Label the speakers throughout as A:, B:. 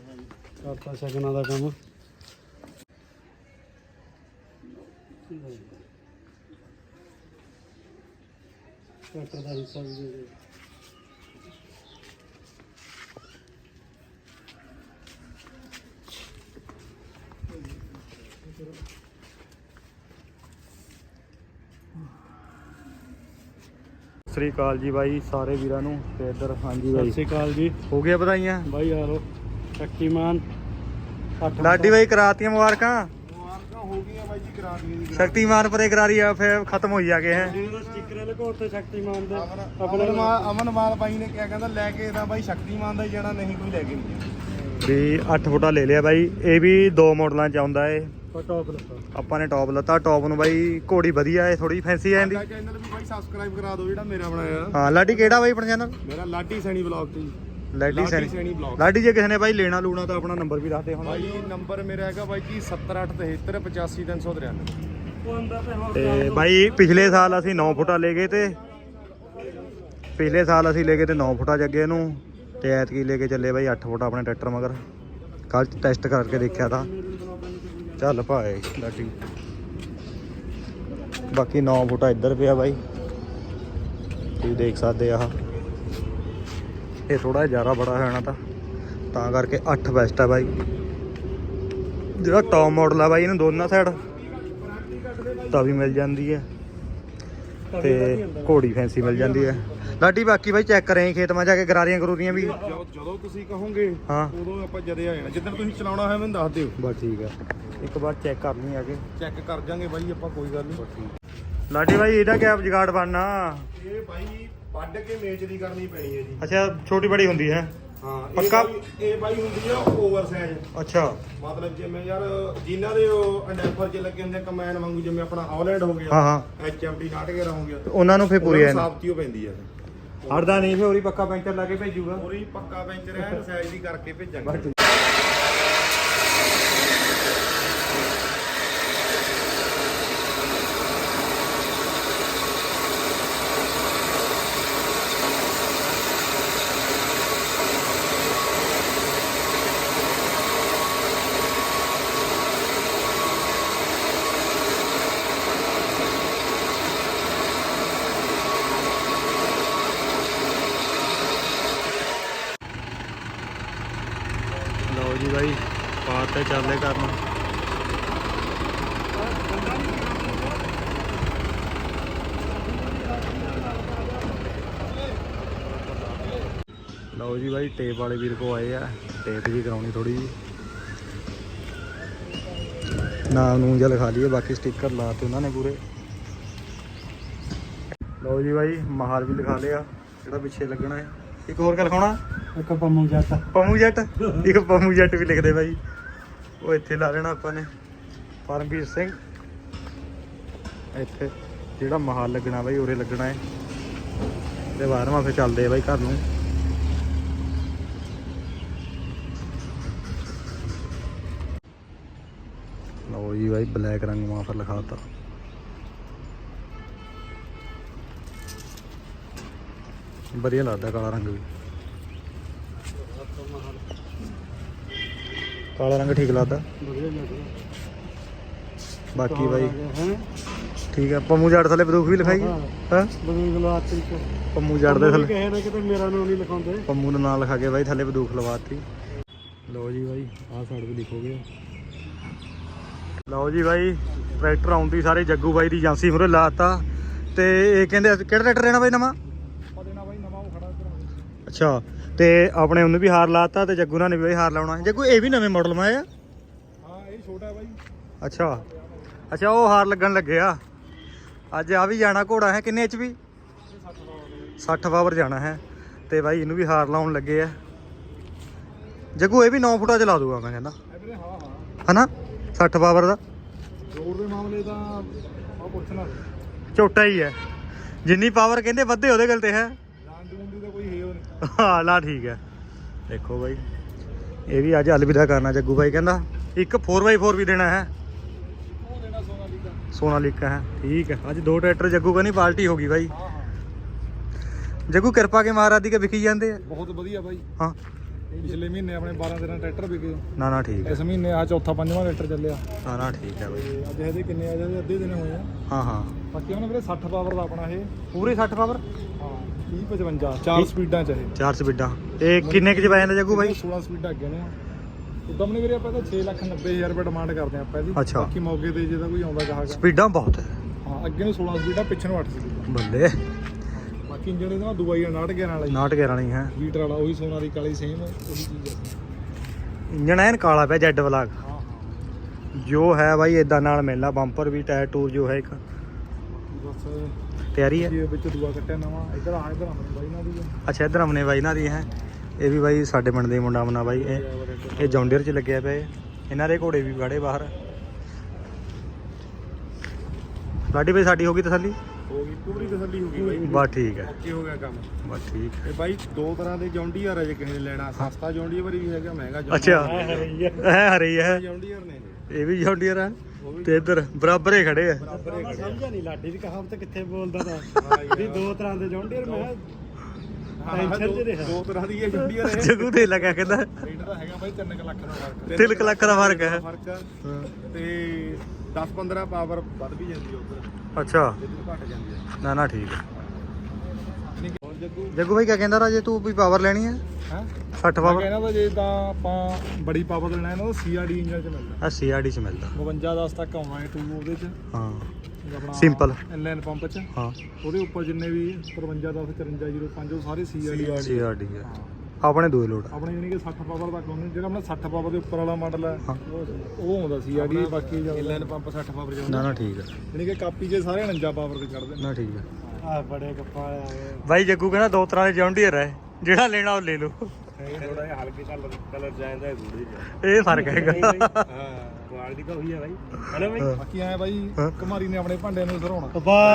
A: ਕਰਤਾ ਸ਼ਗਨਾਂ ਦਾ ਕੰਮ। ਟਰੈਕਟਰ ਦਾ ਹਿੱਸਾ ਵੀ ਦੇ ਦੇ।
B: ਸਤਿ ਸ੍ਰੀ ਅਕਾਲ ਜੀ ਬਾਈ ਸਾਰੇ ਵੀਰਾਂ ਨੂੰ ਤੇ ਇੱਧਰ ਹਾਂਜੀ
A: ਸਤਿ
B: ਬਾਈ
A: ਸ਼੍ਰੀ ਅਕਾਲ ਜੀ
B: ਹੋ ਗਿਆ ਵਧਾਈਆਂ
A: ਬਾਈ ਯਾਰੋ। ਸ਼ਕਤੀਮਾਨ
B: ਲਾਡੀ ਬਾਈ ਕਰਾਤੀਆਂ ਮੁਬਾਰਕਾਂ
A: ਹੋ ਗਈਆਂ ਬਾਈ ਜੀ, ਕਰਾ ਦੀਆਂ ਜੀ।
B: ਸ਼ਕਤੀਮਾਨ ਪਰੇ ਕਰਾਰੀ ਆ ਫਿਰ ਖਤਮ ਹੋਈ ਆ ਗਏ ਹੈ
A: ਜਿਹਦੇ ਸਟicker ਲਗਾਉ ਤੇ ਸ਼ਕਤੀਮਾਨ ਦੇ
C: ਅਮਨਵਾਲ ਬਾਈ ਨੇ ਕਿਹਾ ਕਹਿੰਦਾ ਲੈ ਕੇ ਤਾਂ ਬਾਈ ਸ਼ਕਤੀਮਾਨ ਦਾ ਹੀ ਜਾਣਾ, ਨਹੀਂ ਕੋਈ ਲੈ ਕੇ ਨਹੀਂ ਜਾਣਾ।
B: ਵੀ 8 ਫੁੱਟਾ ਲੈ ਲਿਆ ਬਾਈ। ਇਹ ਵੀ 2 ਮਾਡਲਾਂ ਚ ਆਉਂਦਾ ਏ।
A: ਟੌਪ ਲੱਗਾ
B: ਆਪਾਂ ਨੇ ਟੌਪ ਲੱਤਾ। ਟੌਪ ਨੂੰ ਬਾਈ ਘੋੜੀ ਵਧੀਆ ਏ, ਥੋੜੀ ਫੈਂਸੀ ਆ ਜਾਂਦੀ।
C: ਚੈਨਲ ਵੀ ਬਾਈ ਸਬਸਕ੍ਰਾਈਬ ਕਰਾ ਦਿਓ ਜਿਹੜਾ ਮੇਰਾ ਬਣਾਇਆ।
B: ਹਾਂ ਲਾਡੀ ਕਿਹੜਾ ਬਾਈ ਆਪਣਾ ਚੈਨਲ?
C: ਮੇਰਾ ਲਾਡੀ ਸੈਣੀ ਬਲੌਗ ਤੇ ਜੀ।
B: ਲਾਡੀ
C: ਸੈਣੀ
B: ਸੈਣੀ
C: ਬਲੌਗ।
B: ਲਾਡੀ ਜੇ ਕਿਸੇ ਨੇ ਬਾਈ ਲੈਣਾ ਲੂਣਾ ਤਾਂ ਆਪਣਾ ਨੰਬਰ ਵੀ ਦੱਸ ਦੇ ਹੁਣ।
C: ਬਾਈ ਨੰਬਰ ਮੇਰਾ ਹੈਗਾ ਬਾਈ ਜੀ 7873853393।
A: ਉਹ ਅੰਦਰ ਤੇ ਹੋਰ
B: ਤੇ ਬਾਈ ਪਿਛਲੇ ਸਾਲ ਅਸੀਂ 9 ਫੁੱਟਾ ਲੈ ਗਏ ਤੇ 9 ਫੁੱਟਾ ਜੱਗੇ ਇਹਨੂੰ ਤੇ ਐਤਕੀ ਲੈ ਕੇ ਚੱਲੇ ਬਾਈ 8 ਫੁੱਟਾ ਆਪਣੇ ਟਰੈਕਟਰ ਮਗਰ। ਕੱਲ ਟੈਸਟ ਕਰਕੇ ਦੇਖਿਆ ਤਾਂ ਚੱਲ ਭਾਏ ਲਾਡੀ। ਬਾਕੀ 9 ਫੁੱਟਾ ਇੱਧਰ ਪਿਆ ਬਾਈ, ਤੁਸੀਂ ਦੇਖ ਸਕਦੇ ਆ। ਇਹ ਥੋੜਾ ਜ਼ਿਆਦਾ ਬੜਾ ਹੈ ਨਾ ਤਾਂ ਕਰਕੇ 8 ਬੈਸਟ ਆ ਬਾਈ। ਜਿਹੜਾ ਟੌਪ ਮਾਡਲ ਆ ਬਾਈ ਇਹਨੂੰ ਦੋਨਾਂ ਸਾਈਡ ਤਵੀ ਮਿਲ ਜਾਂਦੀ ਹੈ ਤੇ ਘੋੜੀ ਫੈਂਸੀ ਮਿਲ ਜਾਂਦੀ ਹੈ। ਲਾਡੀ ਬਾਕੀ ਬਾਈ ਚੈੱਕ ਕਰੇ ਖੇਤ ਮਾ ਜਾ ਕੇ ਗਰਾਰੀਆਂ ਕਰੂਰੀਆਂ ਵੀ
C: ਜਦੋਂ ਤੁਸੀਂ ਕਹੋਗੇ
B: ਹਾਂ
C: ਉਦੋਂ ਆਪਾਂ ਜਦੇ ਆ ਜਾਣਾ। ਜਿੱਦਣ ਤੁਸੀਂ ਚਲਾਉਣਾ ਹੋਇਆ ਮੈਨੂੰ ਦੱਸ ਦਿਓ।
B: ਬਸ ਠੀਕ ਹੈ, ਇੱਕ ਵਾਰ ਚੈੱਕ ਕਰ ਲਈ ਆ ਕੇ
C: ਚੈੱਕ ਕਰ ਜਾਾਂਗੇ ਬਾਈ ਆਪਾਂ, ਕੋਈ ਗੱਲ ਨਹੀਂ।
B: ਲਾਡੀ ਬਾਈ ਇਹਦਾ ਕਿਆ ਜੁਗਾੜ ਬਣਨਾ?
C: ਇਹ ਬਾਈ ਵੱਢ ਕੇ ਮੇਚ ਦੀ ਕਰਨੀ ਪੈਣੀ ਹੈ ਜੀ।
B: ਅੱਛਾ ਛੋਟੀ ਬੜੀ ਹੁੰਦੀ ਹੈ।
C: ਹਾਂ
B: ਪੱਕਾ?
C: ਇਹ ਬਾਈ ਹੁੰਦੀ ਆ ਓਵਰ ਸਾਈਜ਼।
B: ਅੱਛਾ
C: ਮਤਲਬ ਜਿਵੇਂ ਯਾਰ ਜਿਨ੍ਹਾਂ ਦੇ ਉਹ ਅੰਡੈਫਰ ਚ ਲੱਗੇ ਹੁੰਦੇ ਕਮੈਨ ਵਾਂਗੂ, ਜਿਵੇਂ ਆਪਣਾ ਹਾਲੈਂਡ ਹੋ ਗਿਆ,
B: ਹਾਂ ਹਾਂ
C: HMT 69 ਹੋ ਗਿਆ,
B: ਉਹਨਾਂ ਨੂੰ ਫੇਰ ਪੂਰੀ ਐ
C: ਸਾਫਤੀ ਹੋ ਪੈਂਦੀ ਆ।
B: ਹੜਦਾ ਨਹੀਂ ਫੇਰ ਉਹਦੀ ਪੱਕਾ ਪੈਂਚਰ ਲਾ ਕੇ ਭੇਜੂਗਾ।
C: ਪੂਰੀ ਪੱਕਾ ਪੈਂਚਰ ਐਨ ਸਾਈਜ਼ ਦੀ ਕਰਕੇ ਭੇਜਾਂਗੇ।
B: ਲਓ ਜੀ ਬਾਈ ਪਾਰ ਤੇ ਚੱਲਦੇ ਕਰਨ। ਲਓ ਜੀ ਬਾਈ ਟੇਪ ਵਾਲੇ ਵੀਰ ਕੋ ਆਏ ਆ, ਟੇਪ ਵੀ ਕਰਾਉਣੀ ਥੋੜੀ ਜੀ। ਨਾਮ ਨੂੰ ਜਿਹਾ ਲਿਖਾ ਲਈਏ, ਬਾਕੀ ਸਟicker ਲਾਤੇ ਉਹਨਾਂ ਨੇ ਪੂਰੇ। ਲਓ ਜੀ ਬਾਈ ਮਹਾਲ ਵੀ ਲਿਖਾ ਲਿਆ ਜਿਹੜਾ ਪਿੱਛੇ ਲੱਗਣਾ ਹੈ। ਇੱਕ ਹੋਰ ਗੱਲ ਲਿਖਾਉਣਾ,
A: ਇੱਕ ਪੰਮੂ ਜੱਟ।
B: ਪੰਮੂ ਜੱਟ, ਇੱਕ ਪੰਮੂ ਜੱਟ ਵੀ ਲਿਖਦੇ ਬਾਈ। ਉਹ ਇੱਥੇ ਲਾ ਲੈਣਾ ਆਪਾਂ ਨੇ ਪਰਮਵੀਰ ਸਿੰਘ। ਇੱਥੇ ਜਿਹੜਾ ਮਹਾਲ ਲੱਗਣਾ ਬਾਈ ਉਰੇ ਲੱਗਣਾ ਹੈ ਤੇ 12ਵਾਂ ਫਿਰ ਚੱਲਦੇ ਆ ਬਾਈ ਘਰ ਨੂੰ। ਲਓ ਜੀ ਬਾਈ ਬਲੈਕ ਰੰਗ ਮਾਂ ਪਰ ਲਿਖਾਤਾ। ਵਧੀਆ ਲੱਗਦਾ ਕਾਲਾ ਰੰਗ ਵੀ। ਕਾਲਾ ਰੰਗ ਠੀਕ ਲੱਗਦਾ
A: ਵਧੀਆ ਲੱਗਦਾ।
B: ਬਾਕੀ ਬਾਈ
A: ਹੈ
B: ਠੀਕ ਹੈ। ਪੰਮੂ ਜੱਟ ਥੱਲੇ ਬੰਦੂਕ ਵੀ ਲਿਖਾਈ
A: ਹਾਂ।
B: ਹਾਂ
A: ਬਦੂਕ ਲਵਾਤੀ ਕੋ
B: ਪੰਮੂ ਜੱਟ ਦੇ ਥੱਲੇ
A: ਕਹੇ ਨਾ ਕਿਤੇ ਮੇਰਾ ਨਾਮ ਨਹੀਂ ਲਿਖਾਉਂਦੇ।
B: ਪੰਮੂ ਦਾ ਨਾਂ ਲਿਖਾ ਕੇ ਬਾਈ ਥੱਲੇ ਬੰਦੂਕ ਲਵਾਤੀ। ਲਓ ਜੀ ਬਾਈ ਆਹ ਸਾਈਡ ਵੀ ਲਿਖੋਗੇ। ਲਓ ਜੀ ਬਾਈ ਟਰੈਕਟਰ ਆਉਂਦੀ ਸਾਰੇ ਜੱਗੂ ਬਾਈ ਦੀ ਏਜੰਸੀ ਮੂਹਰੇ ਲਾਤਾ ਤੇ ਇਹ ਕਹਿੰਦੇ ਕਿਹੜਾ ਟਰੈਕਟਰ ਲੈਣਾ ਬਾਈ ਨਵਾਂ?
C: ਦੇਣਾ ਬਾਈ ਨਵਾਂ ਉਹ ਖੜਾ ਇੱਧਰ।
B: ਅੱਛਾ ਤੇ ਆਪਣੇ ਉਹਨੂੰ ਵੀ ਹਾਰ ਲਾਤਾ ਤੇ ਜੱਗੂ ਨਾਲ ਨੇ ਵੀ ਹਾਰ ਲਾਉਣਾ। ਜੱਗੂ ਇਹ ਵੀ ਨਵੇਂ ਮਾਡਲ ਮਾ ਆ?
C: ਹਾਂ ਇਹ ਛੋਟਾ ਬਾਈ।
B: ਅੱਛਾ ਅੱਛਾ ਉਹ ਹਾਰ ਲੱਗਣ ਲੱਗੇ ਆ। ਅੱਜ ਆ ਵੀ ਜਾਣਾ ਘੋੜਾ ਹੈ ਕਿੰਨੇ HP? 60 ਪਾਵਰ ਜਾਣਾ ਹੈ ਤੇ ਬਾਈ ਇਹਨੂੰ ਵੀ ਹਾਰ ਲਾਉਣ ਲੱਗੇ ਆ। ਜੱਗੂ ਇਹ ਵੀ 9 ਫੁੱਟਾ ਚਲਾ ਦੂਗਾ ਮੈਂ ਕਹਿੰਦਾ
C: ਹਾਂ ਹਾਂ
B: ਹਨਾ 60 ਪਾਵਰ ਦਾ।
C: ਜ਼ੋਰ ਦੇ ਮਾਮਲੇ ਤਾਂ ਆ ਪੁੱਛਣਾ
B: ਝੋਟਾ ਹੀ ਹੈ। ਜਿੰਨੀ ਪਾਵਰ ਕਹਿੰਦੇ ਵੱਧੇ ਉਹਦੇ ਗੱਲ ਤੇ ਹੈ।
C: ਜਾਨ ਜੂਨ ਦੀ ਤਾਂ ਕੋਈ ਹੈ ਨਹੀਂ।
B: ਹਾਂ ਲਾ ਠੀਕ ਹੈ। ਦੇਖੋ ਬਾਈ ਇਹ ਵੀ ਅੱਜ ਅਲਵਿਦਾ ਕਰਨਾ ਜੱਗੂ ਬਾਈ ਕਹਿੰਦਾ। ਇੱਕ 4x4 ਵੀ ਦੇਣਾ ਹੈ।
C: ਉਹ ਦੇਣਾ
B: ਸੋਨਾਲੀਕਾ ਹੈ। ਠੀਕ ਹੈ ਅੱਜ 2 ਟਰੈਕਟਰ ਜੱਗੂ ਕਹਿੰਦੀ ਪਾਰਟੀ ਹੋ ਗਈ ਬਾਈ।
C: ਹਾਂ ਹਾਂ
B: ਜੱਗੂ ਕਿਰਪਾ ਕੇ ਮਹਾਰਾਜ ਦੀ ਕੇ ਵਿਖੀ ਜਾਂਦੇ ਆ।
C: ਬਹੁਤ ਵਧੀਆ ਬਾਈ।
B: ਹਾਂ
C: ਪਿਛਲੇ ਮਹੀਨੇ ਆਪਣੇ 12-13 ਟਰੈਕਟਰ ਵਿਕੇ।
B: ਨਾ ਨਾ ਠੀਕ ਹੈ।
C: ਇਸ ਮਹੀਨੇ ਆ ਚੌਥਾ ਪੰਜਵਾਂ ਟਰੈਕਟਰ ਚੱਲਿਆ।
B: ਨਾ ਨਾ ਠੀਕ ਹੈ ਬਾਈ।
C: ਤੇ ਅੱਜ ਇਹਦੇ ਕਿੰਨੇ ਆ ਜਾਂਦੇ ਅੱਧੇ ਦਿਨ ਹੋਏ ਆ।
B: ਹਾਂ ਹਾਂ
C: ਬਾਕੀ ਉਹਨੇ ਵੀਰੇ 60 ਪਾਵਰ ਦਾ ਆਪਣਾ ਇਹ।
B: ਪੂਰੇ 60 ਪਾਵਰ।
C: ਹਾਂ 30-55 4 ਸਪੀਡਾਂ ਚ ਇਹ।
B: 4 ਸਪੀਡਾਂ। ਇਹ ਕਿੰਨੇ ਕੁ ਚ ਪੈ ਜਾਂਦਾ ਜੱਗੂ ਬਾਈ?
C: 16 ਸਪੀਡਾਂ ਅੱਗੇ ਨੇ। ਉਦੋਂ ਨੇ ਵੀਰੇ ਆਪਾਂ ਤਾਂ 6,90,000 ਰੁਪਏ ਡਿਮਾਂਡ ਕਰਦੇ ਆਪਾਂ ਇਹਦੀ।
B: ਅੱਛਾ।
C: ਬਾਕੀ ਮੌਕੇ ਤੇ ਜੇ ਤਾਂ ਕੋਈ ਆਉਂਦਾ ਗਾਹਕ।
B: ਸਪੀਡਾਂ ਬਹੁਤ ਹੈ।
C: ਹਾਂ ਅੱਗੇ ਨੂੰ 16 ਸਪੀਡਾਂ ਪਿੱਛੇ ਨੂੰ 8 ਸਪੀਡਾਂ।
B: ਬੱਲੇ।
C: ਬਾਕੀ ਇੰਜਣ ਇਹਦਾ ਦੂਆ ਹੀ 69 ਵਾਲਾ ਹੀ।
B: 69 ਵਾਲੀ ਹੈ।
C: ਲੀਟਰ ਵਾਲਾ ਉਹੀ ਸੋਨਾ ਦੀ ਕਾਲੀ ਸੇਮ ਉਹੀ ਚੀਜ਼ ਹੈ।
B: ਇੰਜਣ ਐਨ ਕਾਲਾ ਪਿਆ ਜੈਡ ਬਲਾਕ।
C: ਹਾਂ ਹਾਂ
B: ਜੋ ਹੈ ਬਾਈ ਇਦਾਂ ਨਾਲ ਮਿਲਣਾ। ਬੰਪਰ ਵੀ ਟਾਇਰ ਟੂਰ ਜੋ ਹੈ ਇੱਕ
C: ਬਸ
B: ਤਿਆਰੀ ਹੈ।
C: ਇਹ ਵਿੱਚ ਦੂਆ ਕੱਟਿਆ ਨਵਾਂ। ਇੱਧਰ ਆਪਣੇ ਬਾਈ ਨਾਲ ਦੀ ਆ।
B: ਅੱਛਾ ਇਧਰ ਅਮਨੇ ਬਾਈ ਨਾਲ ਦੀ ਹੈ। ਇਹ ਵੀ ਬਾਈ ਸਾਡੇ ਪਿੰਡ ਦੇ ਮੁੰਡਾ ਮਨਾ ਬਾਈ। ਇਹ ਜੌਂਡੀਅਰ ਚ ਲੱਗਿਆ ਪਿਆ ਇਹ। ਇਹਨਾਂ ਦੇ ਘੋੜੇ ਵੀ ਖੜੇ ਬਾਹਰ। ਲਾਡੀ ਬਾਈ ਸਾਡੀ ਹੋ ਗਈ ਤਸੱਲੀ?
C: ਹੋ ਗਈ ਪੂਰੀ ਤਸੱਲੀ ਹੋ ਗਈ ਬਾਈ।
B: ਬਸ ਠੀਕ ਹੈ।
C: ਓਕੇ ਹੋ ਗਿਆ ਕੰਮ।
B: ਬਸ ਠੀਕ ਹੈ।
C: ਇਹ ਬਾਈ ਦੋ ਤਰ੍ਹਾਂ ਦੇ ਜੌਂਡੀਅਰ ਹੈ। ਜੇ ਕਿਸੇ ਨੇ ਲੈਣਾ ਸਸਤਾ ਜੌਂਡੀਅਰ ਵੀ ਹੈਗਾ ਮਹਿੰਗਾ
B: ਅੱਛਾ ਹੈ ਹਰੀ ਹੈ।
C: ਜੌਂਡੀਅਰ ਨੇ
B: ਇਹ ਵੀ ਜੌਂਡੀਅਰ ਆ ਤੇ ਇੱਧਰ ਬਰਾਬਰ ਹੀ ਖੜੇ ਆ।
A: ਮੈਂ ਸਮਝਿਆ ਨਹੀਂ ਲਾਡੀ ਦੀ ਕਹਾਵਤ ਕਿੱਥੇ ਬੋਲਦਾ ਤਾਂ ਵੀ ਦੋ ਤਰ੍ਹਾਂ ਦੇ ਜੌਂਡੀਅਰ। ਮੈਂ ਟੈਨਸ਼ਨ ਚ ਰਿਹਾ।
C: ਦੋ ਤਰ੍ਹਾਂ ਦੀ ਇਹ ਜੌਂਡੀਅਰ ਹੈ।
B: ਜਗੂ ਦੇ ਲੱਗਾ ਕਹਿੰਦਾ
C: ਰੇਟ ਦਾ ਹੈਗਾ ਬਾਈ 3 ਲੱਖ ਦਾ ਫਰਕ।
B: 3 ਲੱਖ ਦਾ ਫਰਕ ਹੈ।
C: ਫਰਕ ਆ। ਤੇ 10-15 ਪਾਵਰ ਵੱਧ ਵੀ ਜਾਂਦੀ ਹੈ ਉੱਧਰ।
B: ਅੱਛਾ
C: ਜਿੱਦ ਘਟ ਜਾਂਦੀ ਹੈ।
B: ਨਾ ਨਾ ਠੀਕ ਹੈ।
C: ਹੋਰ ਜੱਗੂ
B: ਜੱਗੂ ਭਾਈ ਕਿਆ ਕਹਿੰਦਾ ਰਾਜੇ ਤੂੰ ਵੀ ਪਾਵਰ ਲੈਣੀ ਹੈ?
C: ਹਾਂ
B: 60 ਪਾਵਰ।
C: ਕਹਿੰਦਾ ਤਾਂ ਜੇ ਤਾਂ ਆਪਾਂ ਬੜੀ ਪਾਵਰ ਲੈਣਾ ਇਹਨਾਂ ਦਾ CRD ਇੰਜਨ ਚ ਮਿਲਦਾ।
B: ਆ CRD ਚ ਮਿਲਦਾ।
C: 52-10 ਤੱਕ ਆਉਣਾ ਹੈ 2 ਉਹਦੇ ਚ।
B: ਹਾਂ
C: ਆਪਣਾ
B: ਸਿੰਪਲ।
C: ਇਨਲਾਈਨ ਪੰਪ ਚ।
B: ਹਾਂ
C: ਉਹਦੇ ਉੱਪਰ ਜਿੰਨੇ ਵੀ 53-10 5405 ਉਹ ਸਾਰੇ CRD
B: CRD ਹੈ। ਆਪਣੇ ਦੂਏ ਲੋਡ
C: ਆਪਣੇ ਯਾਨੀ ਕਿ 60 ਪਾਵਰ ਤੱਕ ਆਉਂਦੇ। ਜਿਹੜਾ ਆਪਣਾ 60 ਪਾਵਰ ਦੇ ਉੱਪਰ ਵਾਲਾ ਮਾਡਲ ਹੈ
B: ਹਾਂ।
C: ਉਹ ਆਉਂਦਾ CRD। ਬਾਕੀ ਇਨਲਾਈਨ ਪੰਪ 60 ਪਾਵਰ
B: ਨਾ ਨਾ ਠੀਕ ਹੈ।
C: ਯਾਨੀ ਕਿ ਕਾਪੀ 'ਚ ਸਾਰੇ 49 ਪਾਵਰ ਤੇ ਚੜਦੇ ਨੇ।
B: ਨਾ ਠੀਕ ਹੈ।
A: ਆ ਬੜੇ ਗੱਪਾ ਆ ਗਏ।
B: ਬਾਈ ਜੱਗੂ ਕਹਿੰਦਾ ਦੋ ਤਰ੍ਹਾਂ ਦੇ ਜੌਂਡੀਅਰ ਹੈ। ਜਿਹੜਾ ਲੈਣਾ ਉਹ ਲੈ ਲਓ।
C: ਥੋੜਾ ਜਿਹਾ ਹਲਕੇ ਕਲਰ ਜਾਂਦਾ ਹੈ ਥੋੜੀ ਜਿਹਾ।
B: ਇਹ ਫਰਕ ਹੈਗਾ।
C: ਹਾਂ ਕੁਆਲਿਟੀ ਤਾਂ ਉਹੀ ਹੈ ਬਾਈ। ਹਨਾ ਬਾਈ ਬਾਕੀ ਆਏ ਬਾਈ ਕੁਮਾਰੀ ਨੇ ਆਪਣੇ ਭਾਂਡਿਆਂ ਨੂੰ ਸਰਾਉਣਾ।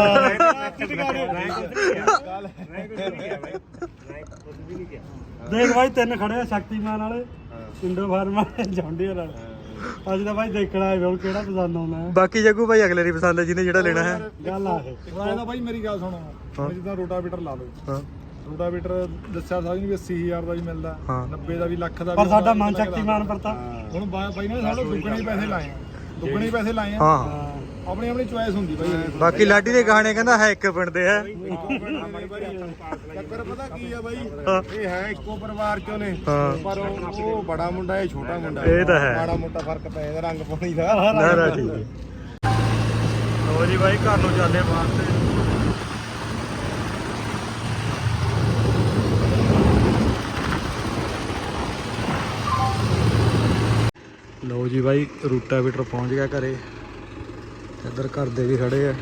A: ਦੇਖ ਭਾਈ ਤਿੰਨ ਖੜੇ ਆ ਸ਼ਕਤੀਮਾਨ ਵਾਲੇ, ਇੰਡੋ ਫਾਰਮਾ, ਜੌਂਡੀਅਰ ਵਾਲੇ। ਅੱਜ ਤਾਂ ਭਾਈ ਦੇਖਣਾ ਹੈ ਹੁਣ ਕਿਹੜਾ ਪਸੰਦ ਆਉਣਾ ਹੈ।
B: ਬਾਕੀ ਜੱਗੂ ਭਾਈ ਅਗਲੇ ਦੀ ਪਸੰਦ ਹੈ ਜਿਹਨੇ ਜਿਹੜਾ ਲੈਣਾ ਹੈ।
A: ਗੱਲ ਆ ਇਹ।
C: ਹੁਣ ਆਇਆ ਤਾਂ ਬਾਈ ਮੇਰੀ ਗੱਲ ਸੁਣੋ। ਹੁਣ ਜਿੱਦਾਂ ਰੋਟਾਵੇਟਰ ਲਾ ਲਓ।
B: ਹਾਂ
C: ਰੋਟਾਵੇਟਰ ਦੱਸਿਆ ਸਾਰੀ ਵੀ 80,000 ਦਾ ਵੀ ਮਿਲਦਾ।
B: ਹਾਂ।
C: 90 ਦਾ ਵੀ ਲੱਖ ਦਾ ਵੀ।
A: ਪਰ ਸਾਡਾ ਮਨ ਸ਼ਕਤੀਮਾਨ ਪਰਤਾ।
C: ਹੁਣ ਬਾਈ ਨੇ ਸਾਡੇ ਦੁੱਗਣੇ ਪੈਸੇ ਲਾਏ ਆ। ਦੁੱਗਣੇ ਪੈਸੇ ਲਾਏ ਆ।
B: ਹਾਂ
C: ਆਪਣੀ ਆਪਣੀ ਚੁਆਇਸ ਹੁੰਦੀ ਬਾਈ।
B: ਬਾਕੀ ਲਾਡੀ ਦੇ ਗਾਣੇ ਕਹਿੰਦਾ ਹੈ ਇੱਕ ਪਿੰਡ ਦੇ ਹੈ।
C: ਚੱਕਰ ਪਤਾ ਕੀ ਆ ਬਾਈ?
B: ਹਾਂ।
C: ਇਹ ਹੈ ਇੱਕੋ ਪਰਿਵਾਰ ਚੋਂ ਨੇ।
B: ਹਾਂ।
C: ਪਰ ਉਹ ਬੜਾ ਮੁੰਡਾ ਹੈ ਛੋਟਾ ਮੁੰਡਾ।
B: ਇਹ ਤਾਂ ਹੈ।
C: ਮਾੜਾ ਮੋਟਾ ਫਰਕ ਪੈ ਜਾਂਦਾ ਰੰਗ ਪਾਣੀ ਦਾ।
B: ਨਾ ਨਾ ਠੀਕ ਹੈ। ਲੋ ਜੀ ਬਾਈ ਘਰ ਨੂੰ ਚੱਲੇ ਵਾਸਤੇ। ਲੋ ਜੀ ਬਾਈ ਰੂਟਾਵੇਟਰ ਪਹੁੰਚ ਗਿਆ ਘਰੇ। ਇੱਧਰ ਘਰ ਦੇ ਵੀ ਖੜੇ ਆ।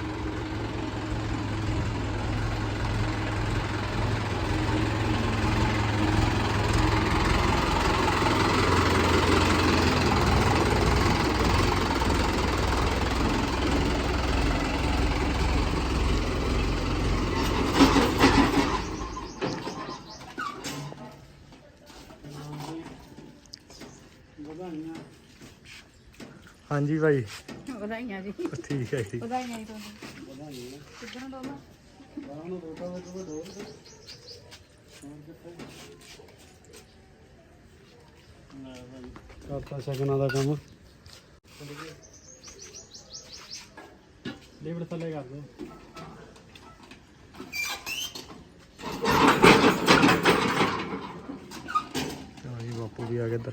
B: ਹਾਂਜੀ ਭਾਈ
D: ਵਧਾਈਆਂ ਜੀ।
B: ਠੀਕ ਹੈ ਜੀ।
D: ਵਧਾਈਆਂ ਜੀ ਤੁਹਾਨੂੰ। ਕਿੱਧਰੋਂ ਡੋਲਾ?
A: ਕਰਤਾ ਸ਼ਗਨਾਂ ਦਾ ਕੰਮ। ਲੀਵਰ ਥੱਲੇ ਕਰ ਦੋ।
B: ਚਲੋ ਜੀ ਬਾਪੂ ਵੀ ਆ ਗਏ ਇੱਧਰ।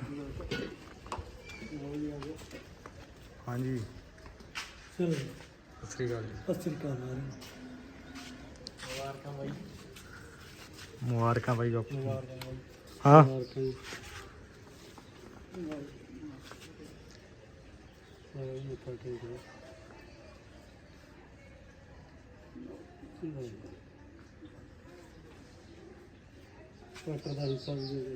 B: ਹਾਂਜੀ
A: ਚਲੋ
B: ਸਤਿ ਸ੍ਰੀ ਅਕਾਲ ਜੀ।
A: ਸਤਿ ਸ੍ਰੀ ਅਕਾਲ। ਮੁਬਾਰਕਾਂ ਬਾਈ।
B: ਮੁਬਾਰਕਾਂ ਬਾਈ ਬਾਪੂ।
A: ਮੁਬਾਰਕਾਂ ਬਾਈ।
B: ਹਾਂ
A: ਮੁਬਾਰਕਾਂ ਜੀ। ਇਹ ਤਾਂ ਠੀਕ ਹੈ। ਟਰੈਕਟਰ ਦਾ ਹਿੱਸਾ ਵੀ ਦੇ ਦੇ।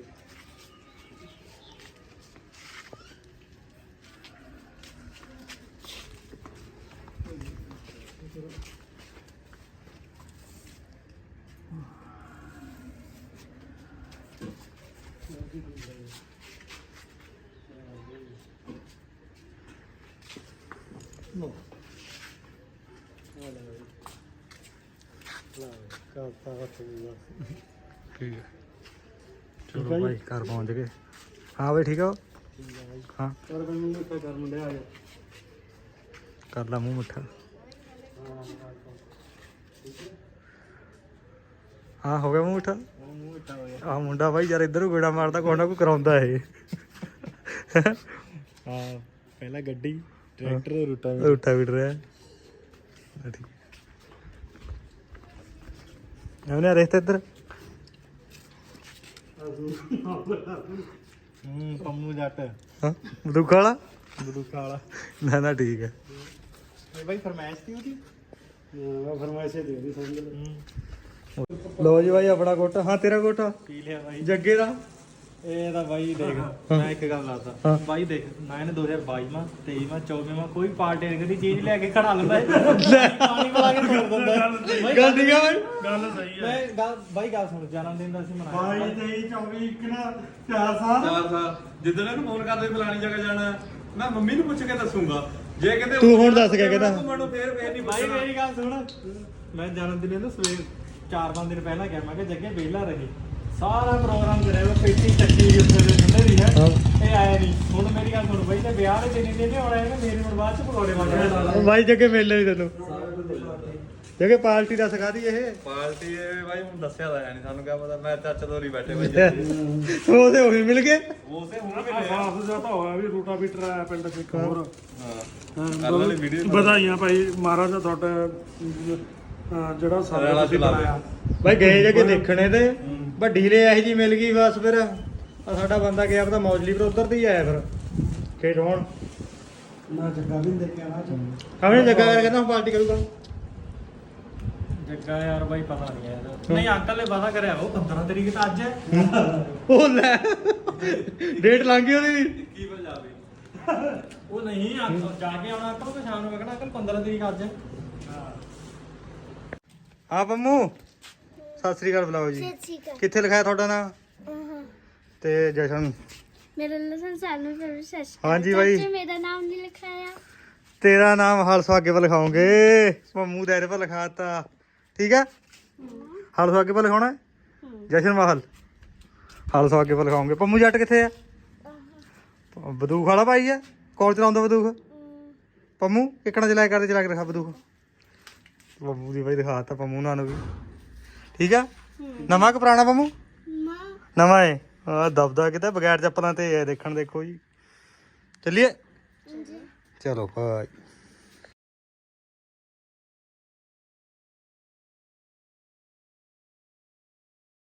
A: No. ਕਰਤਾ ਹੱਥ ਵੀ ਬਸ।
B: ਠੀਕ ਹੈ ਚਲੋ ਭਾਈ ਘਰ ਪਹੁੰਚ ਗਏ। ਹਾਂ ਬਈ ਠੀਕ ਆ ਹਾਂ
A: ਪਰ ਮੈਨੂੰ ਮਿੱਠਾ ਕਰ ਮੁੰਡੇ ਆ ਜਾ
B: ਕਰ ਲਾ ਮੂੰਹ ਮਿੱਠਾ। ਹਾਂ ਹੋ ਗਿਆ ਮੂੰਹ ਮਿੱਠਾ।
A: ਮੂੰਹ ਮਿੱਠਾ ਹੋ ਗਿਆ।
B: ਆਹ ਮੁੰਡਾ ਬਾਈ ਯਾਰ ਇੱਧਰ ਨੂੰ ਗੇੜਾ ਮਾਰਦਾ ਕੋਈ ਨਾ ਕੋਈ ਕਰਾਉਂਦਾ ਇਹ।
A: ਹਾਂ ਪਹਿਲਾਂ ਗੱਡੀ ਟਰੈਕਟਰ ਰੂਟਾ
B: ਰੂਟਾ ਵੀਟ ਰਿਹਾ ਠੀਕ ਉਹਨੇ ਰਸਤੇ ਇੱਧਰ
A: ਪੰਮੂ ਜੱਟ
B: ਹਾਂ ਬਦੂਖਾ ਵਾਲਾ
A: ਬਦੂਕਾ ਵਾਲਾ
B: ਨਾ ਠੀਕ ਹੈ।
C: ਇਹ ਬਾਈ ਫਰਮਾਇਸ਼ ਤੀ ਉਹਦੀ
A: ਉਹ ਫਰਮਾਇਸ਼ੇ ਦੇ ਦੀ ਸਮਝ ਲੈ।
B: ਲੋ ਜੀ ਬਾਈ ਆਪਣਾ ਕੋਟਾ। ਹਾਂ ਤੇਰਾ ਕੋਟਾ
A: ਪੀ ਲਿਆ ਬਾਈ
B: ਜੱਗੇ ਦਾ।
A: ਇਹ ਤਾਂ ਬਾਈ ਦੇਖ ਮੈਂ ਇੱਕ ਗੱਲ ਦੱਸਦਾ ਬਾਈ ਦੇਖ ਮੈਂ ਇਹਨੇ 2022 ਮਾ 23 ਮਾ 24 ਮਾ ਕੋਈ ਪਾਰਟੀ ਦੀ ਚੀਜ਼ ਲੈ ਕੇ ਖੜਾ ਲੈਂਦਾ ਪਾਣੀ ਪਿਲਾ ਕੇ ਤੋੜ ਦਿੰਦਾ
B: ਗੱਲ ਠੀਕ ਆ ਬਾਈ
A: ਗੱਲ ਸਹੀ
C: ਮੈਂ ਗੱਲ ਬਾਈ ਗੱਲ ਸੁਣ ਜਨਮ ਦਿਨ ਦਾ ਸੀ ਮਨਾਇਆ
A: 22 23 24 ਇੱਕ ਨਾ 4 ਸਾਲ
C: 4 ਸਾਲ ਜਿੱਦਣ ਇਹਨੂੰ ਫੋਨ ਕਰਦੇ ਫਲਾਣੀ ਜਗ੍ਹਾ ਜਾਣਾ ਮੈਂ ਮੰਮੀ ਨੂੰ ਪੁੱਛ ਕੇ ਦੱਸੂਗਾ ਜੇ ਕਹਿੰਦੇ
B: ਤੂੰ ਹੁਣ ਦੱਸ ਕੇ ਕਹਿੰਦਾ
C: ਮੈਨੂੰ ਫੇਰ ਨਹੀਂ
A: ਬਾਈ ਮੇਰੀ ਗੱਲ ਸੁਣ ਮੈਂ ਜਨਮ ਦਿਨ ਇਹਨੂੰ ਸਵੇਰ 4-5 ਦਿਨ ਪਹਿਲਾਂ ਗਿਆ ਮੈਂ ਕਿ ਜੱਗੇ ਵਿਹਲਾ ਰਹੇ ਸਾਰਾ ਪ੍ਰੋਗਰਾਮ ਕਰਿਆ ਉਹ ਪੇਟੀ ਚੱਕੀ ਉੱਥੇ ਦੇ ਥੱਲੇ ਦੀ ਹੈ ਇਹ ਆਇਆ ਨਹੀਂ। ਹੁਣ ਮੇਰੀ ਗੱਲ ਸੁਣ ਬਾਈ ਤੇ ਵਿਆਹ ਦੇ ਦਿਨ ਇਹਨੇ ਆਉਣਾ ਇਹਨੇ ਮੇਰੇ ਹੁਣ ਬਾਅਦ ਚ ਪਕੌੜੇ ਮਾਰਨੇ
B: ਬਾਈ ਜੱਗੇ ਮਿਲਣੇ ਨਹੀਂ ਤੈਨੂੰ ਜੱਗੇ ਪਾਰਟੀ ਦਾ ਸਿਖਾ ਦੀ ਇਹ
C: ਪਾਰਟੀ ਇਹ ਬਾਈ ਹੁਣ ਦੱਸਿਆ ਤਾਂ ਨਹੀਂ ਸਾਨੂੰ ਕਿਆ ਪਤਾ ਮੈਂ ਚਾਚਾ ਦੋਰੀ ਬੈਠੇ ਬਾਈ
B: ਉਹਦੇ ਉਹੀ ਮਿਲ ਗਏ।
C: ਉਸੇ ਹੁਣ
A: ਸਾਫ ਜਿਆਦਾ ਹੋਇਆ ਵੀ ਰੂਟਾ ਬੀਟਰ ਆਇਆ ਪਿੰਡ ਚ ਇੱਕ ਹੋਰ
C: ਕੱਲ ਵਾਲੀ ਵੀਡੀਓ
A: ਵਧਾਈਆਂ ਭਾਈ ਮਹਾਰਾਜ ਦਾ ਤੁਹਾਡਾ ਜਿਹੜਾ ਸਾਰਾ ਤੁਸੀਂ ਬਣਾਇਆ
B: ਬਾਈ ਗਏ ਜੱਗੇ ਦੇਖਣੇ ਤੇ ਵੱਡੀ ਲੈ ਇਹੋ ਜੀ ਮਿਲ ਗਈ ਬਸ ਫਿਰ ਸਾਡਾ ਬੰਦਾ ਗਿਆ ਪਤਾ ਮੌਜਲੀ ਪਰ ਉਧਰ ਤੇ ਹੀ ਆਇਆ ਫਿਰ ਖੇਡ ਹੋਣ
A: ਨਾ ਜੱਗਾ ਵੀ ਦੇਖ ਕੇ ਆਣਾ
B: ਸਾਹਮਣੇ ਜੱਗਾ ਕਰਕੇ ਕਹਿੰਦਾ ਹੁਣ ਪਾਰਟੀ ਕਰੂਗਾ।
A: ਜੱਗਾ ਯਾਰ ਬਾਈ ਪਤਾ ਨਹੀਂ ਯਾਰ ਨਹੀਂ ਅੰਕਲ ਨੇ ਵਾਦਾ ਕਰਿਆ ਉਹ 15 ਤਰੀਕ ਤਾਂ ਅੱਜ ਹੈ
B: ਉਹ ਲੈ ਡੇਟ ਲੰਘ ਗਈ ਉਹਦੀ।
C: ਕੀ ਪੰਜਾਬੀ
A: ਉਹ ਨਹੀਂ ਅੰਕਲ ਜਾ ਕੇ ਆਉਣਾ ਅੰਕਲ ਤੇ ਸ਼ਾਮ ਨੂੰ ਮੈਂ ਕਹਿਣਾ ਅੰਕਲ 15 ਤਰੀਕ ਅੱਜ ਹੈ
B: ਹਾਂ ਪੰਮੂ ਸਤਿ ਸ੍ਰੀ ਅਕਾਲ ਬੁਲਾਓ ਜੀ। ਕਿੱਥੇ ਲਿਖਾਇਆ ਤੁਹਾਡਾ ਨਾਮ ਤੇ ਜਸ਼ਨ
E: मेरा लसन सालों से रिसर्च
B: ਹਾਂਜੀ ਬਾਈ
E: मेरा नाम नहीं लिखाया
B: ਤੇਰਾ ਨਾਮ ਹਲਸੋ ਅੱਗੇ ਪਰ ਲਿਖਾਉਂਗੇ ਪੰਮੂ ਦੇ ਪਰ ਲਿਖਾਤਾ ਠੀਕ ਹੈ। ਹਲਸੋ ਅੱਗੇ ਪਰ ਲਿਖਾਉਣਾ ਜਸ਼ਨ ਮਹਲ ਹਲਸੋ ਅੱਗੇ ਪਰ ਲਿਖਾਉਂਗੇ। ਪੰਮੂ ਜੱਟ ਕਿੱਥੇ ਆ ਬਦੂਖ ਵਾਲਾ ਭਾਈ ਆ ਕੋਲ ਚਲਾਉਂਦਾ ਬਦੂਖ ਪੰਮੂ ਕਿੱਕਣਾ ਚਲਾਇਆ ਕਰਦੇ ਚਲਾ ਕੇ ਦਿਖਾ ਬਦੂਖ ਪੰਮੂ ਦੀ ਬਾਈ ਦਿਖਾਤਾ ਪੰਮੂ ਨਾਲ ਨੂੰ ਵੀ ਠੀਕ ਆ। ਨਵਾਂ ਕਿ ਪੁਰਾਣਾ ਪੰਮੂ
E: माँ
B: ਨਵਾਂ ਏ ਆ ਦਬਦਾ ਕਿਤੇ ਬਗੈਰ ਚੱਪਲਾਂ ਤੇ ਦੇਖਣ ਦੇਖੋ ਜੀ ਚੱਲੀਏ ਚਲੋ ਭਾਈ।